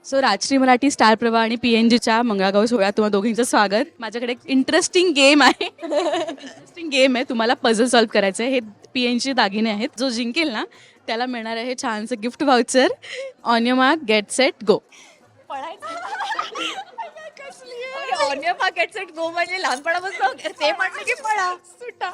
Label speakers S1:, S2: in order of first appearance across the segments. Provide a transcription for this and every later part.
S1: So Rajshri Marathi star प्रवाह आणि PNGच्या मंगळागौर सोहळ्यात तुम्हा दोघींचं स्वागत. माझ्याकडे एक इंटरेस्टिंग गेम आहे. इंटरेस्टिंग गेम आहे. तुम्हाला पझल सॉल्व्ह करायचं आहे. हे PNG दागिने आहेत. जो जिंकेल ना त्याला मिळणार आहे छानसं gift voucher. On your mark get set go.
S2: Onion packet set go म्हणजे लहानपणापासून ते म्हटलं की पळा सुटा.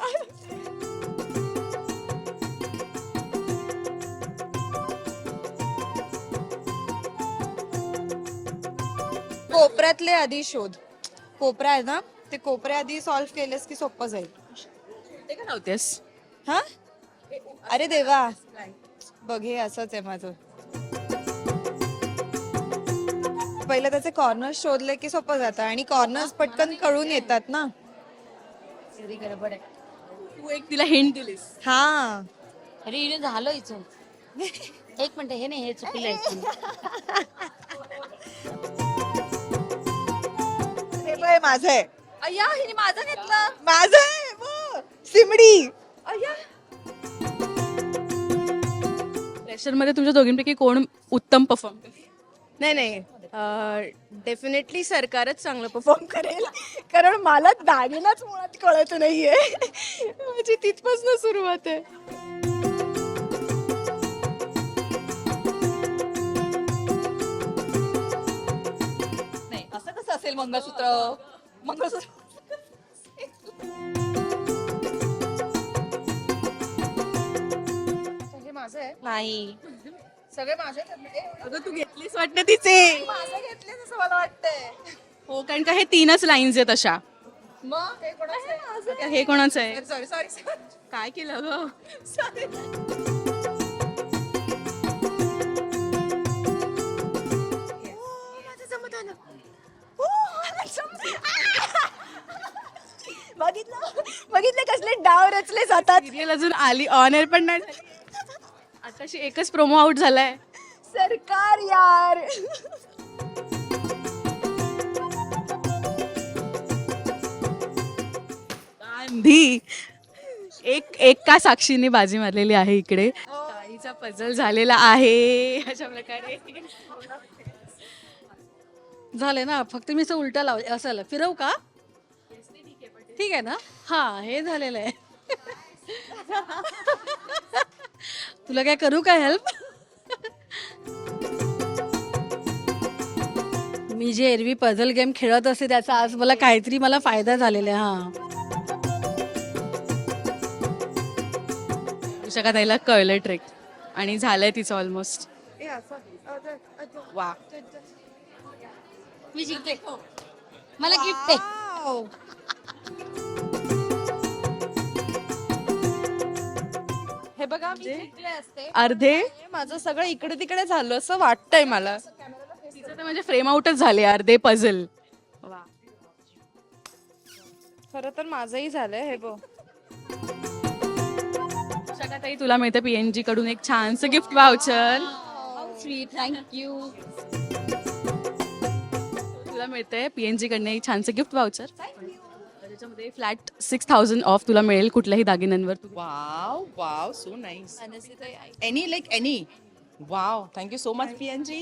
S3: कोपऱ्यातले आधी शोध. कोपरा आहे ना, ते कोपरे आधी सॉल्व्ह केलेस की सोपं जाईल.
S1: ते का नव्हतेस?
S3: हा, अरे देवा, बघ हे असंच आहे माझं. पहिलं त्याचे कॉर्नर्स शोधले की सोपं जातं आणि कॉर्नर्स पटकन कळून येतात ना.
S2: गडबड आहे.
S1: तू एक तिला हिंट दिलीस.
S3: हा,
S2: अरे हिने झालं इथून. एक मिनिट, हे नाही, हे चुकलं इथून.
S3: हे बघ माझं आहे.
S2: अय्या हिने माझं घेतलं.
S3: माझं आहे बघ. सिमडी.
S2: अय्या
S1: प्रेशरमध्ये तुमच्या दोघींपैकी कोण उत्तम परफॉर्म करेल?
S4: नाही नाही, डेफिनेटली सरकारच चांगलं परफॉर्म करेल, कारण मला दागिनाच मुळात कळत नाहीये. म्हणजे तिथपासून सुरुवात आहे.
S2: नाही, असं कसं असेल मंगळसूत्र? मंगळसूत्र
S3: हे माझं आहे.
S4: नाही,
S3: सगळे माझे
S1: अगं तू घेतलीस वाटतं तिचे.
S3: माझं घेतले असं मला वाटतंय.
S1: हो, कारण का हे 3च लाईन्स आहेत अशा.
S3: मग हे कोणाचं आहे?
S1: आता हे कोणाचं आहे?
S3: Sorry sorry sorry.
S1: काय केलं ग?
S4: बघितलं बघितलं कसले डाव रचले जातात.
S1: सिरियल अजून आली, ऑन एअर पण नाही झाली. आताशी एकच प्रोमो आउट झालाय.
S4: सरकार यार.
S1: गांधी एक एक का साक्षीने बाजी मारलेली आहे इकडे. ताईचा पझल झालेला आहे अशा प्रकारे.
S5: झाले ना, फक्त मी असं उलटा लाव असं फिरवू का? ठीक आहे ना. हा, हे झालेलं आहे. तुला काय करू का हेल्प? मी जे एरवी पझल गेम खेळत असते त्याचा आज मला काहीतरी फायदा झालेला आहे. हा,
S1: विशाखा ताईला कळलं ट्रिक आणि झालंय तिचं ऑलमोस्ट. वा,
S2: मी जिंकते. मला गिफ्ट आहे.
S3: हे बघा मी जिंकले असते.
S1: अर्धे
S3: माझं सगळं इकडे तिकडे झालं असं वाटतंय मला.
S1: तिचं तर म्हणजे फ्रेम आउटच झाले अर्धे पझल. वा,
S3: खरं तर माझंही झालंय. हे बघ,
S1: विशाखा ताई तुला मिळतं PNG कडून एक छानसं गिफ्ट वाउचर.
S2: Sweet, thank you.
S1: तुला मिळतंय PNG कडनं एक छानसं गिफ्ट वाउचर. त्याच्यामध्ये फ्लॅट 6000 ऑफ तुला मिळेल कुठल्याही दागिन्यांवर.
S6: Wow, wow, so nice. Any, like any. Wow, thank you so much, PNG.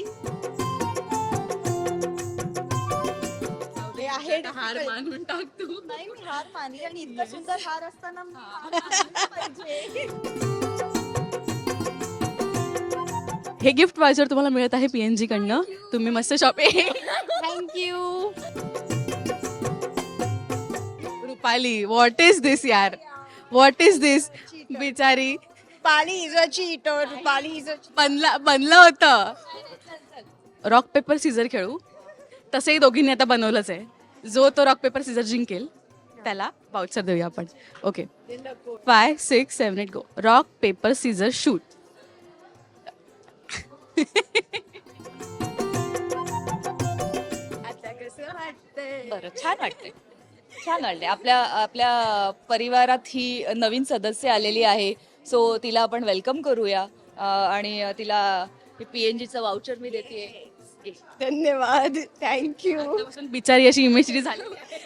S1: हार मानून टाक तू.
S3: नाही मी हार मानली आणि इतकं सुंदर हार असताना
S1: हे गिफ्ट वाउचर तुम्हाला मिळत आहे PNG कडनं. तुम्ही मस्त shopping.
S2: Thank you.
S1: Rupali, what is this यार, व्हॉट इज दिस. बिचारी
S4: Pali is a cheater. Pali is a.
S1: बनलं होतं. रॉक पेपर सीझर खेळू. तसंही दोघींनी आता बनवलंच आहे. जो तो रॉक पेपर सीझर जिंकेल त्याला वाउचर देऊया आपण. Okay, 5, 6, 7, 8 go. Rock paper scissor shoot.
S2: बरं, छान वाटतंय. छान वाटते. आपल्या आपल्या परिवारात ही नवीन सदस्य आलेली आहे, सो तिला आपण वेलकम करूया. आणि तिला PNGचं वाउचर मी देते.
S4: धन्यवाद, थँक्यू.
S1: बिचारी अशी इमेजरी झाली.